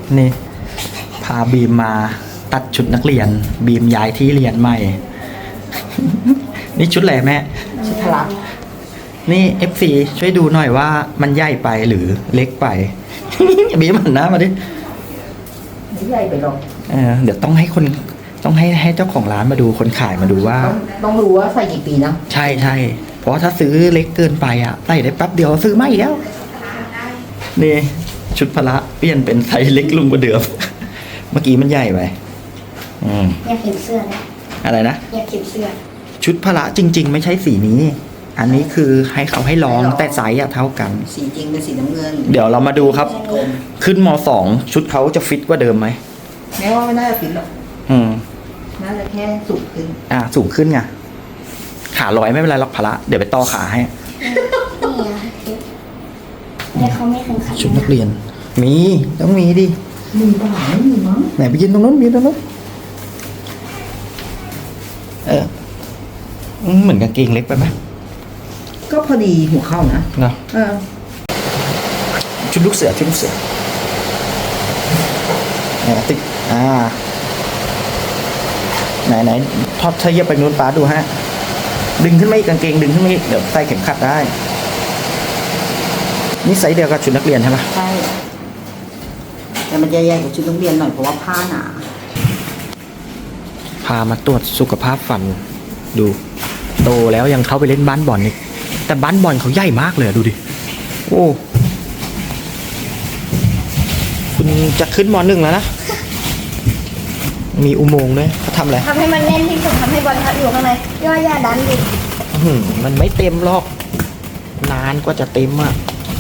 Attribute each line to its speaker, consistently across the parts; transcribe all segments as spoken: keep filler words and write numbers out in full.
Speaker 1: นี่พาบีมมาตัดชุดนักเรียนบีมย้ายที่เรียนใหม่ นี่ชุดอะไรแม่ชุดพละนี่ เอฟ ซี ช่วยดูหน่อยว่ามันใหญ่ไปหรือเล็กไป บีมหันหน้ามาดิ
Speaker 2: ไม่ใหญ่ไปหรอก
Speaker 1: เออเดี๋ยวต้องให้คนต้องให้ให้เจ้าของร้านมาดูคนขายมาดูว่า
Speaker 2: ต้องรู้ว่าใส่กี่ปีนะ
Speaker 1: ใช่ใช่เพราะถ้าซื้อเล็กเกินไปอ่ะใส่ได้แป๊บเดียวซื้อไม่แล้วนี่ชุดพละเปลี่ยนเป็นไซส์เล็กลงกว่าเดิม เมื่อกี้มันใหญ่ไปอืม
Speaker 3: อยากเห็นเสื้อเลย
Speaker 1: อะไรนะ
Speaker 3: อยากเห็นเสื้อ
Speaker 1: ชุดพละจริงๆไม่ใช่สีนี้อันนี้คือให้เขาให้ลองแต่ไซส์เท่ากัน
Speaker 2: สีจริงเป็นสีน้ำเงิน
Speaker 1: เดี๋ยวเรามาดูครับขึ้นม.สองชุดเขาจะฟิตกว่าเดิมไหม
Speaker 2: แม้ว่าไม่น่าจะฟิตหรอก
Speaker 1: อืม
Speaker 2: น่าจะแค่สูงขึ้น
Speaker 1: อ่าสูงขึ้นไงขาลอยไม่เป็นไรหรอกพละเดี๋ยวไปต่อขาให้
Speaker 3: นี่เขาไม่แข่งขัน
Speaker 1: ชุดนักเรียนมีต้องมีดิ
Speaker 2: มีบ้างไม่มีมั้ง
Speaker 1: ไหนไปยืนตรงนู้นยืนตรงนู้นเออเหมือนกางเกงเล็กไปไหม
Speaker 2: ก็พอดีหัวเข้านะ
Speaker 1: เนาะ
Speaker 2: เออ
Speaker 1: ชุดลูกเสือชุดลูกเสือเนี่ยติ๊กอ่าไหนไหนทอดเทียบไปนู้นป้าดูฮะดึงขึ้นมาอีกกางเกงดึงขึ้นมาอีกเดี๋ยวใส่เข็มขัดได้นี่ไซส์เดียวกับชุดนักเรียนใช่ไหม
Speaker 2: ใช่แต่มันจะใหญ่กว่าชุดนักเรียนหน่อยเพราะว่าผ้าหนา
Speaker 1: พามาตรวจสุขภาพฟันดูโตแล้วยังเข้าไปเล่นบ้านบอลอีกแต่บ้านบอลเขาใหญ่มากเลยดูดิโอ้คุณจะขึ้นม.หนึ่งแล้วนะมีอุโมงค์ด้วยเขาทำอะไร
Speaker 3: ทำให้มันแน่นที่สุดทำให้บอลทับอยู่ข้างในย่อย่าดันดิ
Speaker 1: มันไม่เต็มหรอกนานกว่าจะเต็มอ่ะ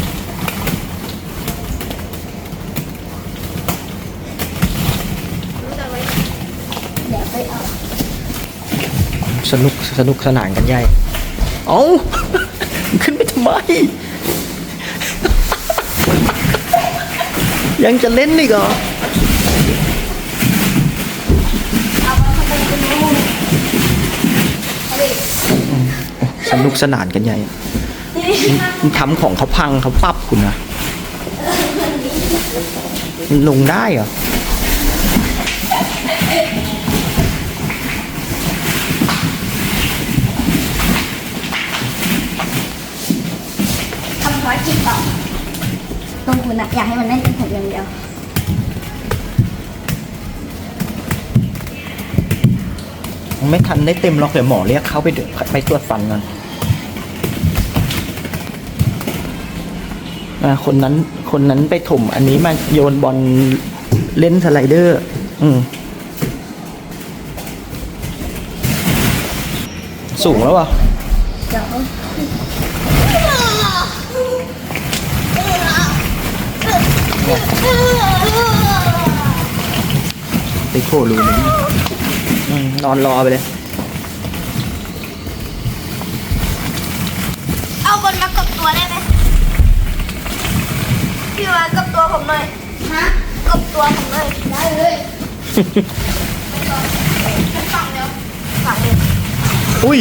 Speaker 3: เดี๋ยวไปเอา
Speaker 1: สนุกสนุกสนานกันใหญ่เอ้าขึ้นไปทำไมยังจะเล่นอีกเหรอสนุกสนานกันใหญ่ทำของเขาพังเขาปรับคุณนะลงได้เหรอ
Speaker 3: ทำภารกิจต่อตรงคุณนะอยากให้มันแน่นเป็นผมอย่างเดียว
Speaker 1: ไม่ทันได้เต็มหรอกเดี๋ยวหมอเรียกเขาไปไปตรวจฟันกันคนนั้นคนนั้นไปถมอันนี้มาโยนบอลเล่นสไลเดอร์อืมสูงแล้วอ่ะติโครูเลยนอนรอไปเลย
Speaker 3: เอาบอลมากดตัวได้ไหมพี่มากดตัวผมหน่อยฮะกดตัวผมหน่อยได้เลยฝั่งเดียวฝั่งเดียว
Speaker 1: อุ้ย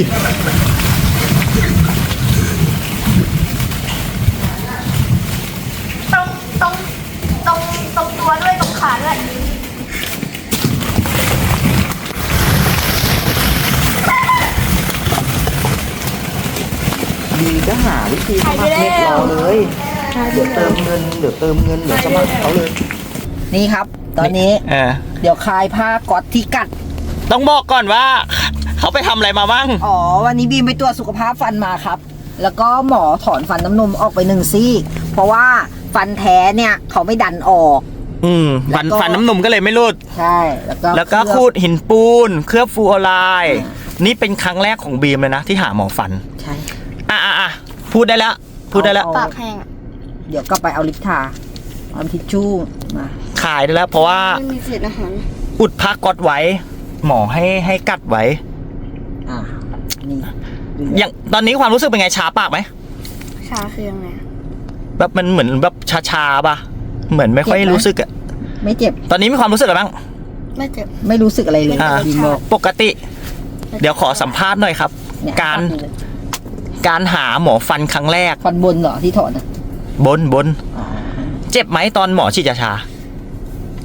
Speaker 3: ตรงตรงตรงตรงตัวด้วยตรงขาด้วย
Speaker 1: ดีก็หาวิธีสมัครเน็ตรอเลยเดี๋ยวเติมเงินเดี๋ยวเติมเงินเดี๋ยวสมัครเขาเลย
Speaker 2: นี่ครับตอนนี้เดี๋ยวคลายผ้าก๊อตที่กัด
Speaker 1: ต้องบอกก่อนว่าเขาไปทำอะไรมาบ้าง
Speaker 2: อ๋อวันนี้บีมไปตรวจสุขภาพฟันมาครับแล้วก็หมอถอนฟันน้ำนมออกไปหนึ่งซี่เพราะว่าฟันแท้เนี่ยเขาไม่ดันออก
Speaker 1: อืมฟันฟันน้ำนมก็เลยไม่รุด
Speaker 2: ใช่แล้วก็
Speaker 1: แล้วก็ขูดหินปูนเคลือบฟลูออไรด์นี่เป็นครั้งแรกของบีมเลยนะที่หาหมอฟัน
Speaker 2: ใช่
Speaker 1: อ่ะอ่ะอ่ะพูดได้แล้วพูดได้แล้ว
Speaker 3: ปากแห้ง
Speaker 2: เดี๋ยวก็ไปเอาลิปทาเอาทิชชู่มา
Speaker 1: ขายได้แล้วเพราะว่า
Speaker 3: ไม่มีเศษอาหาร
Speaker 1: อุดผ้าก๊อตไว้หมอให้ให้กัดไว้
Speaker 2: อ่านี่
Speaker 1: อย่างตอนนี้ความรู้สึกเป็นไงชาปากไหม
Speaker 3: ชาคือยังไง
Speaker 1: แบบมันเหมือนแบบชาชาป่ะเหมือนไม่ค่อยรู้สึกอะ
Speaker 2: ไม่เจ็บ
Speaker 1: ตอนนี้มีความรู้สึกอะไรบ้าง
Speaker 3: ไม่เจ็บ
Speaker 2: ไม่รู้สึกอะไรเลย
Speaker 1: ปกติเดี๋ยวขอสัมภาษณ์หน่อยครับการการหาหมอฟันครั้งแรก
Speaker 2: ฟันบนเหรอที่ถอน
Speaker 1: บนบนเจ็บไหมตอนหมอฉีดยาชา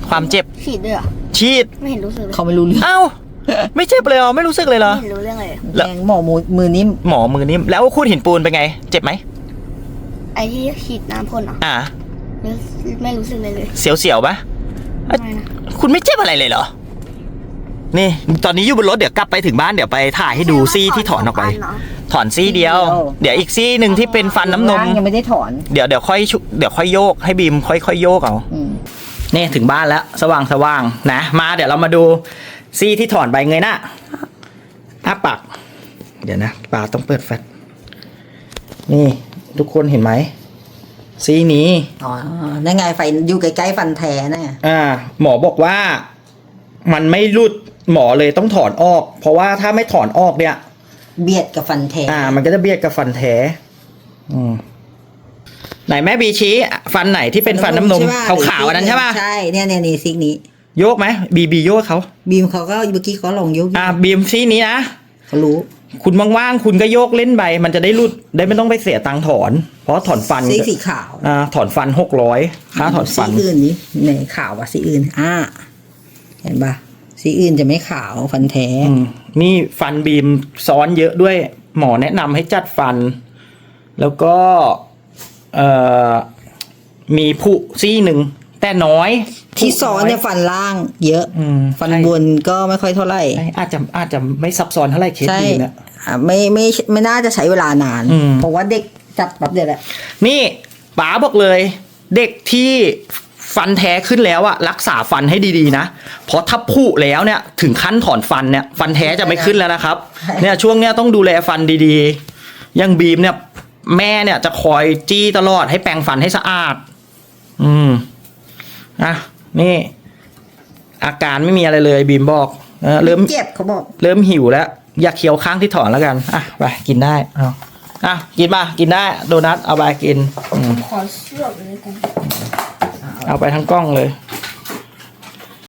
Speaker 1: ความเจ็บ
Speaker 3: ฉีดด้วยเหรอ
Speaker 1: ฉีด
Speaker 3: ไม่เห็นรู้สึกเลย
Speaker 2: เขาไม่รู้เรื่อง
Speaker 1: เอ้าไม่เจ็บเลยเหรอไม่รู้สึกเลยเหรอ
Speaker 3: ไม่เห็นรู้เรื่องเลย
Speaker 1: แล้ว
Speaker 2: แรงหมอมือมือนิ่ม
Speaker 1: หมอมือนิ่มแล้วคูดหินปูนเป็นไง เจ็บไหม
Speaker 3: ไอ้ที่ฉีดน้ำพ่นเหรอ
Speaker 1: อ่า
Speaker 3: ไม่ไม่รู้สึกเลยเลย
Speaker 1: เสียวๆปะ
Speaker 3: ไม่นะ
Speaker 1: คุณไม่เจ็บอะไรเลยเหรอนี่ตอนนี้อยู่บนรถเดี๋ยวกลับไปถึงบ้านเดี๋ยวไปถ่ายให้ดูซี่ที่ถอนออกไป
Speaker 3: เนาะ
Speaker 1: ถอนซี่เดียว เดี๋ยวอีกซี่หนึ่งที่เป็นฟันน้ำนม
Speaker 2: ล่างยังไม่ได้ถอน
Speaker 1: เดี๋ยวเดี๋ยวค่อยชุเดี๋ยวค่อยโยกให้บีมค่อยค่อยโยกเอา
Speaker 2: อืม
Speaker 1: นี่ถึงบ้านแล้วสว่างสว่างนะมาเดี๋ยวเรามาดูซี่ที่ถอนใบเงยหน้าอ้าปากเดี๋ยวนะปากต้องเปิดแฟลชนี่ทุกคนเห็นไหมซี่นี้
Speaker 2: อ๋อนั่นไงไฟอยู่ใกล้ๆฟันแท้น่ะ
Speaker 1: อ่า หมอบอกว่ามันไม่รุดหมอเลยต้องถอนออก เพราะว่าถ้าไม่ถอนออกเนี่ย
Speaker 2: เบียดกับฟันแท้
Speaker 1: อ่า มันก็จะเบียดกับฟันแท้อืมไหนแม่บีชี้ฟันไหนที่เป็นฟันน้ำนม
Speaker 2: ใช่ปะ
Speaker 1: ขาวๆอันนั้นใช่ป่ะ
Speaker 2: ใช่เนี่ยเนี่ยนี่ซิกนี้
Speaker 1: โยกไหมบีบีโยกเขา
Speaker 2: บีมเขาก็เมื่อกี้เขาลองยก
Speaker 1: อ่าบีมซี่นี้นะ
Speaker 2: เขารู้
Speaker 1: คุณว่างๆคุณก็โยกเล่นใบมันจะได้รุดได้ไม่ต้องไปเสียตังค์ถอน เพราะถอนฟัน
Speaker 2: ซีสีขาว
Speaker 1: อ่าถอนฟันหกร้อยค่าถอนฟัน
Speaker 2: สีอื่นนี้ในขาวว่ะสีอื่นอ่าเห็นปะสีอื่นจะไม่ขาวฟันแท้
Speaker 1: อืมนี่ฟันบีมซ้อนเยอะด้วย หมอแนะนำให้จัดฟัน แล้วก็เอ่อมีผุซี่หนึ่งแต่น้อย
Speaker 2: ที่ซ้อนเนี่ยฟันล่างเยอะ
Speaker 1: อืม
Speaker 2: ฟันบนก็ไม่ค่อยเท่าไหร่
Speaker 1: ใช่อาจจะอาจจะไม่ซับซ้อนเท่าไหร่เคส
Speaker 2: ใช่
Speaker 1: บีมเนี่ย
Speaker 2: อ่าไม่ไม่ไม่น่าจะใช้เวลานาน
Speaker 1: อืม
Speaker 2: เพราะว่าเด็กจับแป๊บเดียวแหละ
Speaker 1: นี่ป๋าบอกเลย เด็กที่ฟันแท้ขึ้นแล้วอะรักษาฟันให้ดีๆนะเพราะถ้าผุแล้วเนี่ยถึงขั้นถอนฟันเนี่ยฟันแท้จะไม่ขึ้นแล้วนะครับ เนี่ยช่วงเนี้ยต้องดูแลฟันดีๆอยังบีมเนี่ยแม่เนี่ยจะคอยจี้ตลอดให้แปรงฟันให้สะอาด อืมอ่ะนี่ อาการไม่มีอะไรเลยบีมบอกเออเริ่ม
Speaker 2: เจ็บเขาบอก
Speaker 1: เริ่มหิวแล้ว อยากเคี้ยวข้างที่ถอนแล้วกัน อ่ะ ไป กินได้ เอาอ่ะ กินมา กินได้ โดนัท เอาไปกินอืม
Speaker 3: ขอเชือกเลยกัน
Speaker 1: เอาไปทั้งกล้องเลย
Speaker 2: เ